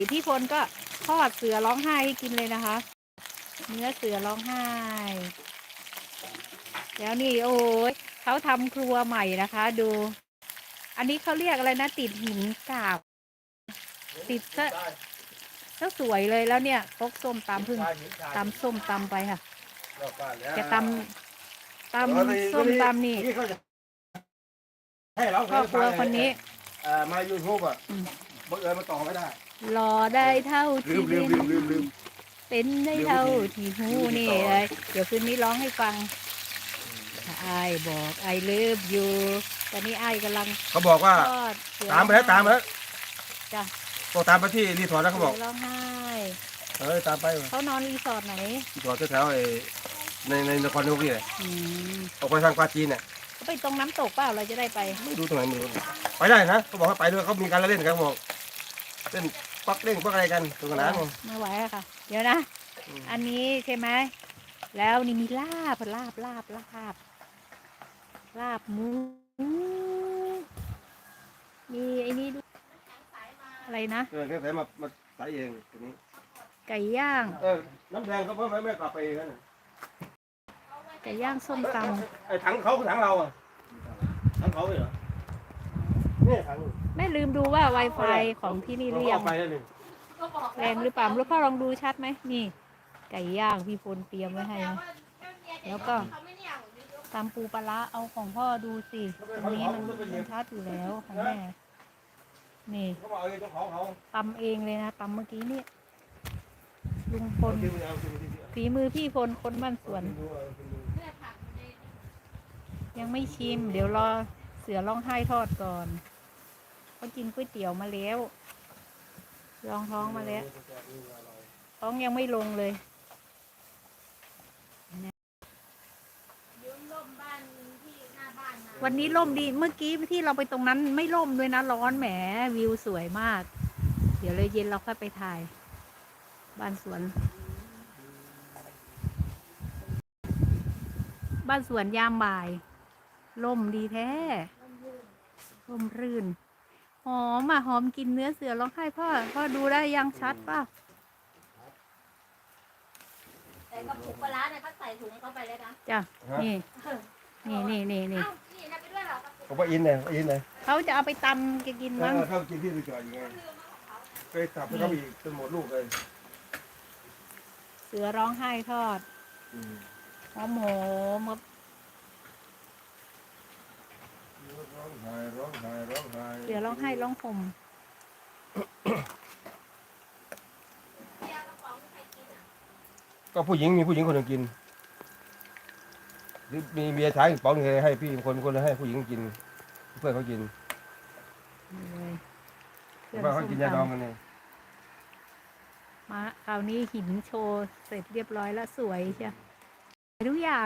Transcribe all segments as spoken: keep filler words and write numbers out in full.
พี่พลก็ทอดเสือร้องไห้ให้กินเลยนะคะเนื้อเสือร้องไห้แล้วนี่โอ้ยเขาทำครัวใหม่นะคะ ดู อันนี้เขาเรียกอะไรนะติดหินกาบติดซะก็สวยเลยแล้วเนี่ยพกส้มตำพึ่งตำส้มตำไปค่ะจะตำตำส้มตำนี่ครอบครัวคนนี้มายูทูบอ่ะบังเอิญมาต่อไม่ได้รอได้เท่าที่ลืมลืมลืมลืมเป็นได้เท่าที่หูนี่เลยเดี๋ยวคืนนี้ร้องให้ฟังไอ้บอกไอ้เลิฟอยู่ตอนนี้ไอ้กำลังเขาบอกว่าตามไปแล้วตามไปแล้วจ้ะก็ตามไปที่รีสอร์ทแล้วเขาบอกร้องไห้เออตามไปเขานอนรีสอร์ทไหนรีสอร์ทแถวๆในในนครนายกนี่แหละออกไปทางปาจีนเนี่ยเขาไปตรงน้ำตกเปล่าเราจะได้ไปไม่รู้ตรงไหนไม่รู้ไปได้นะเขาบอกว่าไปด้วยเขามีการเล่นกันบอกเล่นปักเล่นปักอะไรกันตรงนั้นไม่ไหวอะค่ะเดี๋ยวนะอันนี้ใช่ไหมแล้วนี่มีลาบลาบลาบลาบลาบหมูมีไอ้นี่ดูอะไรนะเออแค่ใส่มามาใส่เองตัวนี้ไก่ย่างเออน้ำแดงเขาเพิ่มไม่ไม่กลับไปเองนะไก่ย่างส้มตำไอ้ถังเขาคือถังเราอ่ะถังเขาเหรอนี่ถังแม่ลืมดูว่า Wi-Fi ของที่นี่เรียงแรงหรือเปล่าลูกพ่อลองดูชัดไหมนี่ไก่ย่างพี่พลเตรียมไว้ให้นะแล้วก็ตำปูปลาเอาของพ่อดูสิตรงนี้มันมันชัดอยู่แล้วของแม่นี่ตำเองเลยนะตำเมื่อกี้นี่ลุงพลฝีมือพี่พลคนบ้านสวนยังไม่ชิมเดี๋ยวรอเสือร้องไห้ทอดก่อนเขากินก๋วยเตี๋ยวมาแล้วรองท้องมาแล้วท้องยังไม่ลงเลยวันนี้ร่มดีเมื่อกี้ที่เราไปตรงนั้นไม่ร่มด้วยนะร้อนแหมวิวสวยมากเดี๋ยวเลยเย็นเราค่อยไปถ่ายบ้านสวนบ้านสวนยามบ่ายร่มดีแท้ร่มรื่นหอมอ่ะหอมกินเนื้อเสือร้องไห้พ่อพ่อดูได้ยังชัดป่ะแต่กระปุกปลาเนี่ยเขาใส่ถุงเข้าไปเลยนะจ้ะนี่นี่นี่นี่นี่เขาไปอินเลยอินเลยเขาจะเอาไปตำกินมั้งเขากินที่รีสอร์ทยังไงเคยตับแล้วก็มีจนหมดลูกเลยเสือร้องไห้ทอดหอมหอมร้องไห้ร้องไห้ร้องไห้เสือร้องไห้ร้องห่มก็ผู้หญิงมีผู้หญิงคนหนึ่งกินหรือมีเมียชายอีกป๋องนึงให้พี่คนคนให้ผู้หญิงกินเพื่อนเขากินเพื่อนเขากินยาดองกันเลยมาคราวนี้หินโชว์เสร็จเรียบร้อยแล้วสวยใช่ทุกอย่าง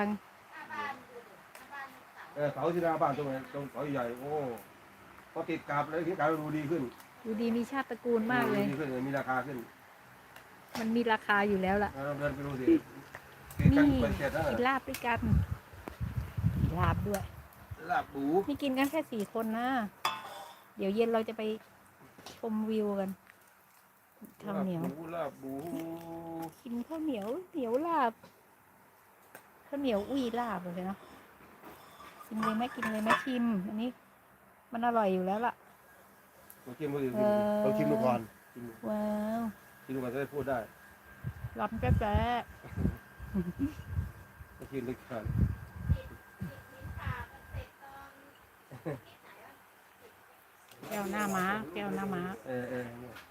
เออเสาที่หน้าบ้านตรงไหนตรงเสาใหญ่โอ้พอติดกาบเลยที่กาบดูดีขึ้นดูดีมีชาติตระกูลมากเลยดีขึ้นมีราคาขึ้นมันมีราคาอยู่แล้วล่ะเดินไปดูสินี่กินลาบด้วยกันลาบด้วยลาบปูนี่กินกันแค่สี่คนนะเดี๋ยวเย็นเราจะไปชมวิวกันข้าวเหนียวลาบปูกินข้าวเหนียวเหนียวลาบข้าวเหนียวอุ้ยลาบเลยเนาะกินเลยไหมกินเลยไหมชิมอันนี้มันอร่อยอยู่แล้วล่ะลองชิมดูดิลองชิมดูก่อนว้าวชิมดูก่อนจะได้พูดได้ล้ำแจ๊ะแจ๊ะลองชิมดูก่อนแก้วหน้าม้าแก้วหน้าม้าเออเออ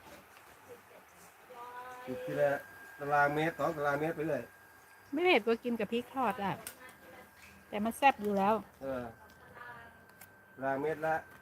จุดที่ละตารางเมตรสองตารางเมตรไปเลยไม่เผ็ดก็กินกับพริกทอดอ่ะแต่มันแซ่บอยู่แล้วเออตารางเมตรละ